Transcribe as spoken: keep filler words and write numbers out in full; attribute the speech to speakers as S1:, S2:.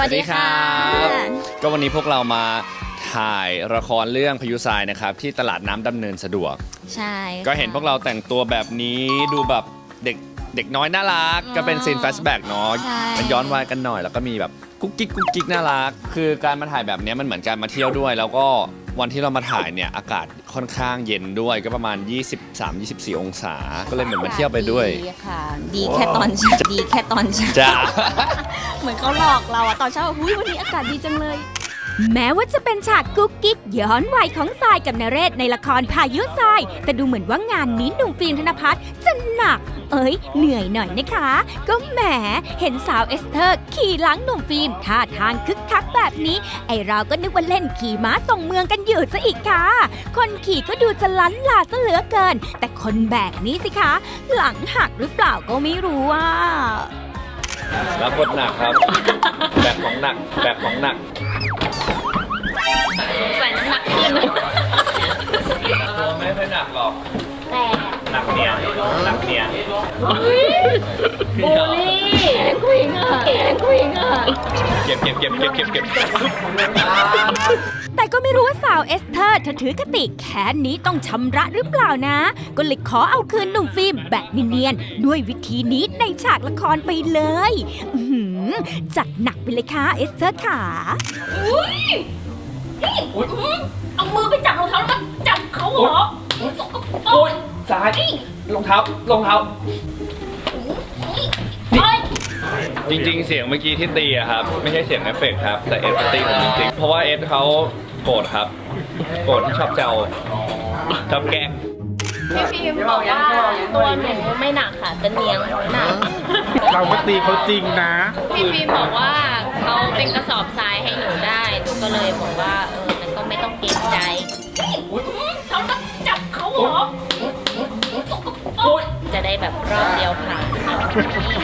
S1: วัสดีค่ะ
S2: ก็วันนี้พวกเรามาถ่ายละครเรื่องพายุทรายนะครับที่ตลาดน้ำดำเนินสะดวก
S1: ใช่
S2: ก็เห็นพวกเราแต่งตัวแบบนี้ดูแบบเด็กเด็กน้อยน่ารักก็เป็นซีนแฟชแบ็กเนาะมันย้อนวัยกันหน่อยแล้วก็มีแบบกุ๊กกิ๊กกุ๊กกิ๊กน่ารักคือการมาถ่ายแบบนี้มันเหมือนการมาเที่ยวด้วยแล้วก็วันที่เรามาถ่ายเนี่ยอากาศค่อนข้างเย็นด้วยก็ประมาณ ยี่สิบสาม ยี่สิบสี่ องศาก็เลยเหมือนมาเที่ยวไปด้วย
S1: ดีค่ะดีแค่ตอนเช้าดีแค่ตอนเช้า
S2: จ้า
S1: เหมือนเขาหลอกเราอะตอนเช้าหุ้ยวันนี้อากาศดีจังเลย
S3: แม้ว่าจะเป็นฉากกุ๊กกิ๊กย้อนวัยของทรายกับนเรศในละครพายุทรายแต่ดูเหมือนว่างานนี้หนุ่มฟิล์มธนภัทรจะหนักเอ้ยเหนื่อยหน่อยนะคะก็แหมเห็นสาวเอสเธอร์ขี่หลังหนุ่มฟิล์มท่าทางคึกคักแบบนี้ไอเราก็นึกว่าเล่นขี่ม้าส่งเมืองกันอยู่ซะอีกค่ะคนขี่ก็ดูจะลั้นลาซะเหลือเกินแต่คนแบกนี้สิคะหลังหักหรือเปล่าก็ไม่รู้ว่า
S2: รับบทหนักครับแบกของหนักแบกของหนัก
S1: ใส่น้ำหนักขึ้น
S2: ตัวไม่ค่อยหนักหรอก
S1: แต่
S2: หนักเนี่ยหนักเนี่ย
S1: บูลลี่กวิงอ่ะกวิงอ่ะ
S2: เก็บเก็บเก็บเก็บเก็บเก็บ
S3: แต่ก็ไม่รู้ว่าสาวเอสเธอร์เธอถือคติแค้นนี้ต้องชำระหรือเปล่านะก็เลยขอเอาคืนหนุ่มฟิล์มแบบเนียนๆด้วยวิธีนี้ในฉากละครไปเลยจัดหนักไปเลยค่ะเอสเธอร์ขา
S1: เอามือไปจับรองเท้าแล้วจับเขาเหรอ
S2: โอ้ยสายรองเท้ารองเท้าจริงๆเสียงเมื่อกี้ที่ตีอะครับไม่ใช่เสียงเอฟเฟกต์ครับแต่เอสตีผมจริงๆเพราะว่าเอสเขาโกรธครับโกรธที่ชอบแซวชอบแกล้ง
S1: พี่ฟิล์มบอกว่าตัวหนูไม่หนักค่ะจะเนียงหนัก
S4: เราไม่ตีเขาจริงนะ
S1: พี่ฟิล์มบอกว่าเขาเป็นกระสอบทรายให้หนูได้หนูก็เลยบอกว่าเออมันก็ไม่ต้องเกรงใจเขาต้องจับเขาเหรอจะได้แบบรอบเดียวผ่าน